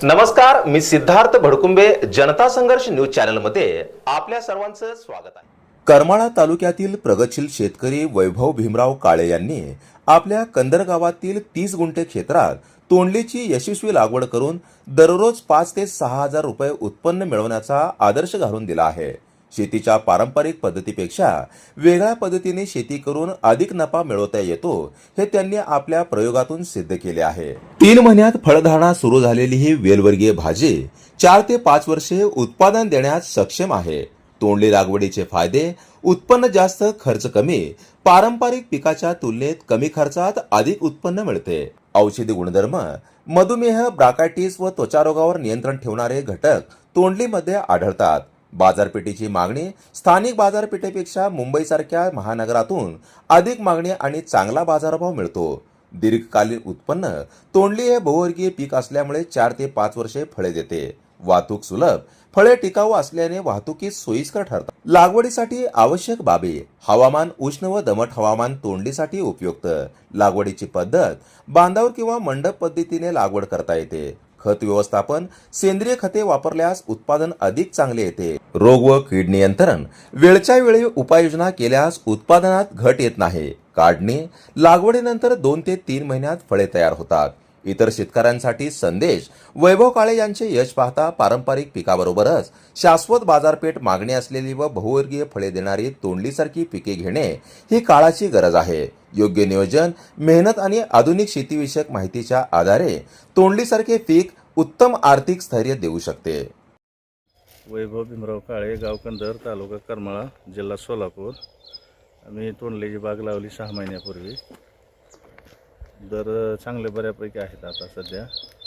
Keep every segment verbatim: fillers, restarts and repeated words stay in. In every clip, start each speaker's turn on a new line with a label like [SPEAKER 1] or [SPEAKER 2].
[SPEAKER 1] नमस्कार, मी सिद्धार्थ भडकुंबे, जनता संघर्ष news channel मध्ये आपल्या सर्वांचं स्वागत आहे।
[SPEAKER 2] करमाळा तालुक्यातील प्रगतशील शेतकरी वैभव भीमराव काळे यांनी आपल्या कंदर गावातील तीस गुंठे क्षेत्रात तोंडलीची यशस्वी लागवड करून दररोज पाच ते सहा हजार रुपये उत्पन्न मिळवण्याचा आदर्श घालून दिला आहे। शेतीच्या पारंपरिक पद्धतीपेक्षा वेगळ्या पद्धतीने शेती करून अधिक नफा मिळवता येतो हे त्यांनी आपल्या प्रयोगातून सिद्ध केले आहे। तीन महिन्यात फळधारणा सुरू झालेली ही वेलवर्गीय भाजी चार ते पाच वर्षे उत्पादन देण्यास सक्षम आहे। तोंडली लागवडीचे फायदे: उत्पन्न जास्त, खर्च कमी, पारंपरिक पिकाच्या तुलनेत कमी खर्चात अधिक उत्पन्न मिळते। औषधी गुणधर्म: मधुमेह, ब्राकायटिस व त्वचा रोगावर नियंत्रण ठेवणारे घटक तोंडलीमध्ये आढळतात। बाजारपेठेची मागणी: स्थानिक बाजारपेठेपेक्षा मुंबईसारख्या महानगरातून अधिक मागणी आणि चांगला बाजारभाव मिळतो। दीर्घकालीन उत्पन्न: तोंडली हे बहुवर्गीय पीक असल्यामुळे चार ते पाच वर्षे फळे देते। वाहतूक सुलभ: फळे टिकाऊ असल्याने वाहतुकीस सोयीस्कर ठरतात। लागवडीसाठी आवश्यक बाबी: हवामान उष्ण व दमट हवामान तोंडलीसाठी उपयुक्त। लागवडीची पद्धत: बांधावर किंवा मंडप पद्धतीने लागवड करता येते। खत व्यवस्थापन: सेंद्रिय खते वापरल्यास उत्पादन अधिक चांगले येते। रोग व कीड नियंत्रण: वेळच्या वेळी उपाययोजना केल्यास उत्पादनात घट येत नाही। काढणी: लागवडीनंतर दोन ते तीन महिन्यात फळे तयार होतात। इतर शेतकऱ्यांसाठी संदेश: वैभव काळे यांचे यश पाहता पारंपरिक पिकाबरोबरच शाश्वत बाजारपेठ मागणी असलेली व बहुवर्गीय फळे देणारी तोंडलीसारखी पिके घेणे ही काळाची गरज आहे। योग्य नियोजन, मेहनत आणि आधुनिक शेतीविषयक माहितीच्या आधारे तोंडलीसारखे पीक उत्तम आर्थिक स्थैर्य देऊ शकते।
[SPEAKER 3] वैभव भीमराव काळे, गाव कंदर, तालुका करमाळा, जिल्हा सोलापूर। आम्ही तोंडलीची बाग लावली सहा महिन्यापूर्वी। दर चांगले बऱ्यापैकी आहेत आता सध्या।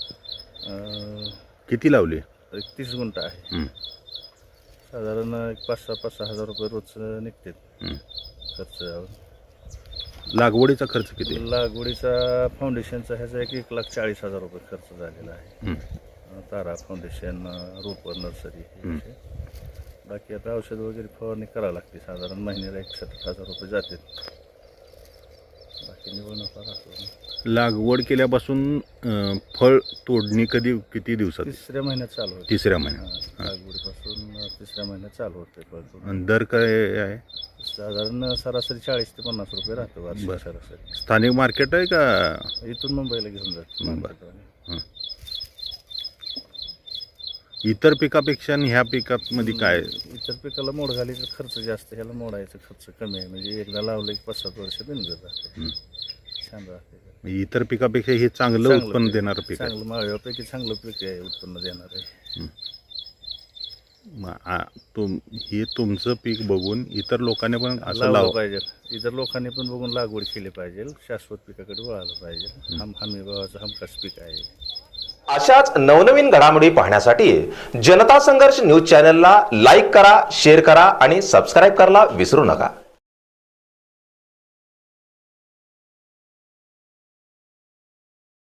[SPEAKER 4] किती लावली?
[SPEAKER 3] एक तीस गुंठ आहे। साधारण एक पाच सहा पाच सहा हजार रुपये रोज निघते खर्च।
[SPEAKER 4] लागवडीचा खर्च किती?
[SPEAKER 3] लागवडीचा फाउंडेशनचा ह्याचा एक एक लाख चाळीस हजार रुपये खर्च झालेला आहे। तारा, फाउंडेशन, रोप, नर्सरी, बाकी आता औषध वगैरे फवारणी करावं लागते। साधारण महिन्याला एक सत्तर हजार रुपये जाते। बाकी निवड नफा राहतो।
[SPEAKER 4] लागवड केल्यापासून फळ तोडणी कधी किती दिवसात?
[SPEAKER 3] तिसऱ्या महिन्यात चालू होते।
[SPEAKER 4] तिसऱ्या महिन्यात
[SPEAKER 3] लागवडीपासून तिसऱ्या महिन्यात चालू होते फळ तोडणी।
[SPEAKER 4] आणि दर काय आहे?
[SPEAKER 3] साधारण सरासरी चाळीस ते पन्नास रुपये राहतो वार्षिक सरासरी।
[SPEAKER 4] स्थानिक मार्केट आहे का?
[SPEAKER 3] इथून मुंबईला घेऊन जातो।
[SPEAKER 4] इतर पिकापेक्षा ह्या पिकामध्ये काय?
[SPEAKER 3] इतर पिकाला मोड घालायचा खर्च जास्त, ह्याला मोडायचा खर्च कमी आहे। म्हणजे एकदा लावलं की पाच सात वर्ष बिनजत राहते, छान राहते।
[SPEAKER 4] इतर पिकापेक्षा हे चांगलं उत्पन्न देणारं पीक आहे।
[SPEAKER 3] चांगलं माळव्यापैकी चांगलं पीक आहे, उत्पन्न देणार आहे।
[SPEAKER 4] तुम हे तुमचं पीक बघून इतर लोकांनी पण असं
[SPEAKER 3] लावलं
[SPEAKER 4] लावलं
[SPEAKER 3] पाहिजे। इतर लोकांनी पण बघून लागवड केली पाहिजे। शाश्वत पिकाकडे वळालं पाहिजे। हम हमी भावाचं हमखास पीक आहे।
[SPEAKER 1] अशाच नवनवीन घडामोडी पाहण्यासाठी जनता संघर्ष न्यूज चॅनलला लाईक करा, शेअर करा आणि सबस्क्राईब करायला विसरू नका।